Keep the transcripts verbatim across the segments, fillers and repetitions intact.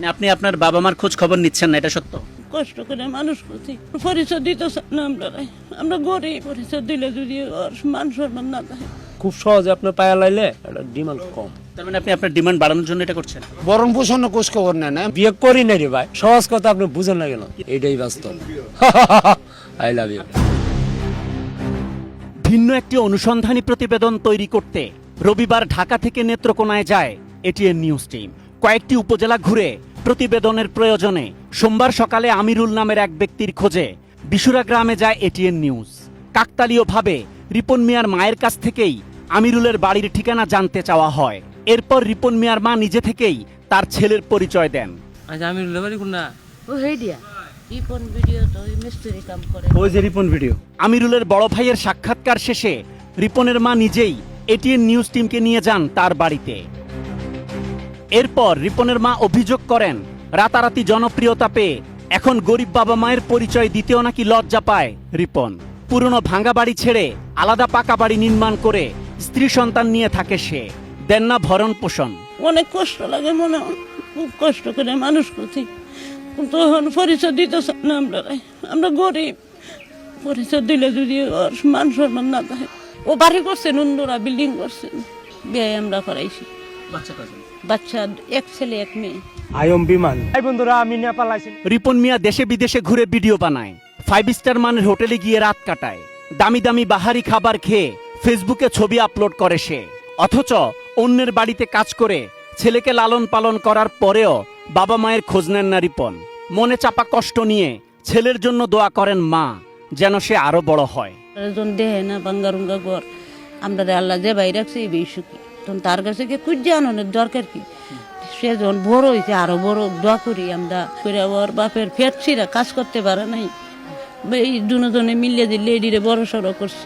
মানে আপনি আপনার বাবা মার খোঁজ খবর নিচ্ছেন না, এটা সত্য? কষ্ট করে মানুষ করছি, পরিচয় দিতে চান না আমরা। আমরা গরিব, পরিচয় দিলে যদি ওর মান সম্মান না থাকে। খুব সহজে আপনার পায়া লাইলে এটা ডিমান্ড কম। তার মানে আপনি আপনার ডিমান্ড বাড়ানোর জন্য এটা করছেন? বরং পোষণ খোঁজ খবর নেন না। বিয়ে করি না রে ভাই, সহজ কথা আপনি বুঝেন না কেন? এটাই বাস্তব। I love you. ভিন্ন একটি অনুসন্ধানী প্রতিবেদন তৈরি করতে রবিবার ঢাকা থেকে নেত্রকোনায় যায় এটিএন নিউজ টিম। কয়েকটি উপজেলা ঘুরে প্রতিবেদনের প্রয়োজনে সোমবার সকালে আমিরুল নামের এক ব্যক্তির খোঁজে বিশুরা গ্রামে যায় এটিএন নিউজ। কাকতালীয়ভাবে রিপন মিয়ার মায়ের কাছ থেকেই আমিরুলের বাড়ির ঠিকানা জানতে চাওয়া হয়। এরপর রিপন মিয়ার মা নিজে থেকেই তার ছেলের পরিচয় দেন। আচ্ছা, আমিরুলের বাড়ি কোনটা? ও হেই দিয়া রিপন ভিডিও তো ওই মিস্ত্রি কাম করে। ওই যে রিপন ভিডিও। আমিরুলের বড় ভাইয়ের সাক্ষাৎকার শেষে রিপনের মা নিজেই এটিএন নিউজ টিমকে নিয়ে যান তার বাড়িতে। এরপর রিপনের মা অভিযোগ করেন, রাতারাতি জনপ্রিয়তা পেয়ে এখন গরিব বাবা মায়ের পরিচয় দিতেও নাকি লজ্জা পায় রিপন। পুরনো ভাঙা বাড়ি ছেড়ে আলাদা পাকা বাড়ি নির্মাণ করে স্ত্রী সন্তান নিয়ে থাকে সে। দেন না ভরণ পোষণ। অনেক কষ্ট লাগে মনে হয়, খুব কষ্ট করে মানুষ করছি, কিন্তু এখন পরিচয় দিতে চান না আমরা। আমরা গরিব, পরিচয় দিলে যদি ওর মান সম্মান না থাকে। ও বাড়ি করছেন, উন্দরা বিল্ডিং করছেন, বিয়ে আমরা করাইছি। বাচ্চা কজন? বাচ্চা এক ছেলে এক মেয়ে। আয়ম বিমান। এই বন্ধুরা, আমি নেপাল আইছি। রিপন মিয়া দেশে বিদেশে ঘুরে ভিডিও বানায়, ফাইভ স্টার মানের হোটেলে গিয়ে রাত কাটায়, দামি দামি বাহারি খাবার খেয়ে ফেসবুকে ছবি আপলোড করে সে। অথচ অন্যের বাড়িতে কাজ করে ছেলেকে লালন পালন করার পরেও বাবা মায়ের খোঁজ নেন না রিপন। মনে চাপা কষ্ট নিয়ে ছেলের জন্য দোয়া করেন মা, যেন সে আরো বড় হয়। একজন দেহে না বাঙ্গারুঙ্গা ঘর, আমরা আল্লাহ যে বাইরে রাখছে এই বেশি, তখন তার কাছে গিয়ে খুঁজে আনানোর দরকার কি? সে যখন বড় হয়েছে আরো বড় দোয়া করি আমরা করে। ওর বাপের ফেটছিরা কাজ করতে পারে নাই, এই দুজনে মিলিয়ে দিলে এডিরে বড় সড়ো করছি।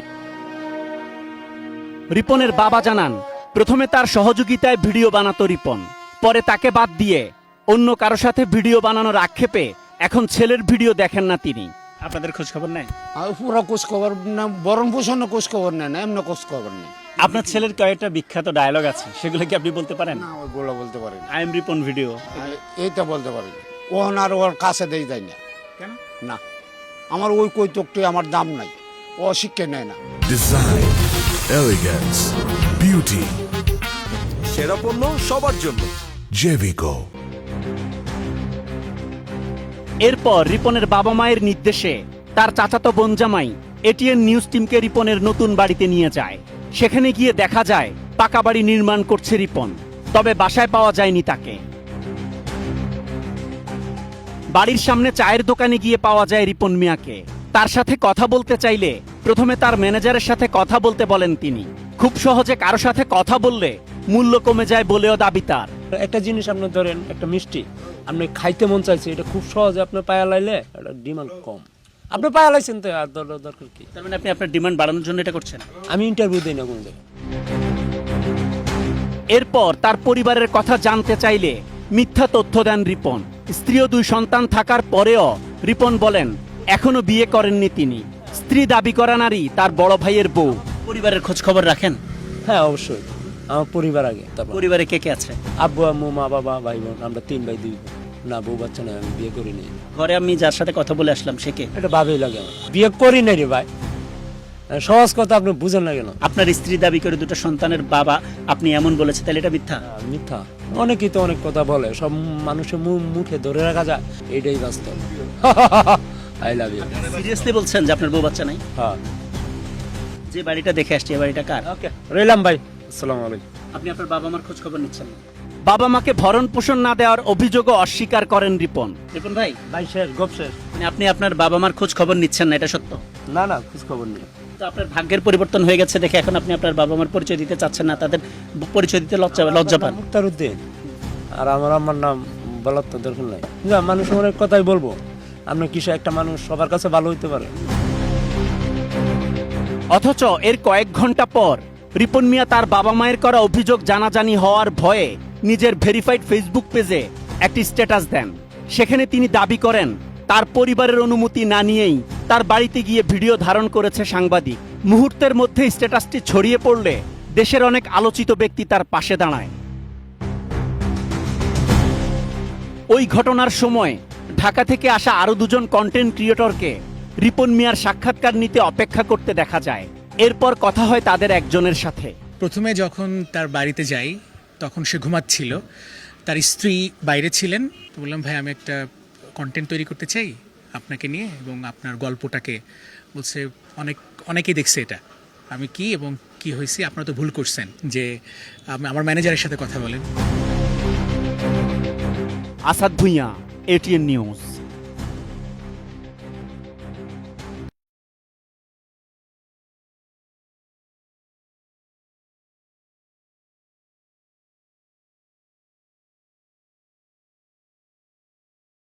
রিপনের বাবা জানান, প্রথমে তার সহযোগিতায় ভিডিও বানাতো রিপন, পরে তাকে বাদ দিয়ে অন্য কারো সাথে ভিডিও বানানোর আক্ষেপে এখন ছেলের ভিডিও দেখেন না তিনি। আপনাদের খোঁজ খবর নেয়? আর পুরো খোঁজ খবর না, বরং পোষণ খোঁজ খবর নেন না, এমনি খোঁজ খবর নেই। আপনার ছেলের কয়েকটা বিখ্যাত ডায়লগ আছে, সেগুলো কি আপনি বলতে পারেন? না, ওইগুলো বলতে পারি না। I am Ripon video. এইটা বলতে পারি না। ওহন আর ওর কাছে দেই যায় না। কেন? না, আমার ওই কৈতকটি আমার দাম নাই, ও শিক্ষা নেয় না। ডিজাইন, এলিগেন্স, বিউটি, সেরা পণ্য সবার জন্য জেভিকো। এরপর রিপনের বাবা মায়ের নির্দেশে তার চাচাতো বোন জামাই এটিএন নিউজ টিমকে রিপনের নতুন বাড়িতে নিয়ে যায়। সেখানে গিয়ে দেখা যায় পাকা বাড়ি নির্মাণ করছে রিপন, তবে বাসায় পাওয়া যায়নি তাকে। বাড়ির সামনে চায়ের দোকানে গিয়ে পাওয়া যায় রিপন মিয়াকে। তার সাথে কথা বলতে চাইলে প্রথমে তার ম্যানেজারের সাথে কথা বলতে বলেন তিনি। খুব সহজে কারো সাথে কথা বললে মূল্য কমে যায় বলেও দাবি তার। একটা জিনিস আপনি ধরেন, একটা মিষ্টি আপনি খাইতে মন চাইছে, এটা খুব সহজে আপনার পায়া লাইলে এটা ডিমান্ড কম। আপনি পায়া লাইছেন তো আর দর- দরকার কি? তার মানে আপনি আপনার ডিমান্ড বাড়ানোর জন্য এটা করছেন? আমি ইন্টারভিউ দিই না কোন জায়গায়। এরপর তার পরিবারের কথা জানতে চাইলে মিথ্যা তথ্য দেন রিপন। স্ত্রী ও দুই সন্তান থাকার পরেও রিপন বলেন এখনো বিয়ে করেননি তিনি। স্ত্রী দাবি করা নারী তার বড় ভাইয়ের বউ। পরিবারের খোঁজ খবর রাখেন? হ্যাঁ, অবশ্যই। আমার পরিবার আগে, তারপর পরিবারে কে কে আছে? আব্বু আম্মু মা বাবা ভাই বোন, আমরা তিন ভাই দুই বোন। না, বউ বাচ্চা নয়, আমি বিয়ে করি নাই। ঘরে আমি যার সাথে কথা বলে আসলাম সে কে? এটা ভাবেই লাগে আমার। বিয়ে করি নাই রে ভাই, সহজ কথা আপনি বুঝেন না কেন? আপনার স্ত্রী দাবি করে দুটো সন্তানের বাবা, আপনি এমন বলেছে, তাহলে এটা মিথ্যা? আহ, মিথ্যা। অনেকেই তো অনেক কথা বলে, সব মানুষের মুখ মুখে ধরে রাখা যায়, এটাই বাস্তব। I love you. সিরিয়াসলি বলছেন যে আপনার বউ বাচ্চা নাই? হ্যাঁ। যে বাড়িটা দেখে আসছি এ বাড়িটা কার? ওকে, রইলাম ভাই। আসসালামু আলাইকুম। আপনি আপনার বাবা মার খোঁজ খবর নিচ্ছেন না? বাবা মাকে ভরণ পোষণ না দেওয়ার অভিযোগও অস্বীকার করেন রিপন। রিপন ভাই, ভাই শেষ, গপ শেষ। মানে আপনি আপনার বাবা মার খোঁজ খবর নিচ্ছেন না, এটা সত্য? না না, খোঁজ খবর নেই। তো আপনার ভাগ্যের পরিবর্তন হয়ে গেছে দেখে এখন আপনি আপনার বাবা মার পরিচয় দিতে চাচ্ছেন না, তাদের পরিচয় দিতে লজ্জা লজ্জা পান? মুক্তার উদ্দিন। আর আমার আমার নাম বলার তো দরকার নাই। না, মানুষ অনেক কথাই বলবো, আপনার কিছু একটা মানুষ সবার কাছে ভালো হইতে পারে। অথচ এর কয়েক ঘন্টা পর রিপন মিয়া তার বাবা মায়ের করা অভিযোগ জানাজানি হওয়ার ভয়ে নিজের ভেরিফাইড ফেসবুক পেজে একটি স্ট্যাটাস দেন। সেখানে তিনি দাবি করেন তার পরিবারের অনুমতি না নিয়েই তার বাড়িতে গিয়ে ভিডিও ধারণ করেছে সাংবাদিক। মুহূর্তের মধ্যে স্ট্যাটাসটি ছড়িয়ে পড়লে দেশের অনেক আলোচিত ব্যক্তি তার পাশে দাঁড়ায়। ওই ঘটনার সময় ঢাকা থেকে আসা আরো দুজন কন্টেন্ট ক্রিয়েটরকে রিপন মিয়ার সাক্ষাৎকার নিতে অপেক্ষা করতে দেখা যায়। এরপর কথা হয় তাদের একজনের সাথে। প্রথমে যখন তার বাড়িতে যাই তখন সে ঘুমাচ্ছিল, তার স্ত্রী বাইরে ছিলেন। তো বললাম, ভাই আমি একটা কন্টেন্ট তৈরি করতে চাই আপনাকে নিয়ে এবং আপনার গল্পটাকে। বলছে অনেক অনেকেই দেখছে এটা, আমি কি এবং কি হয়েছি, আপনারা তো ভুল করছেন, যে আম- আমার ম্যানেজারের সাথে কথা বলেন। Asad Bhuiyan, ATN news.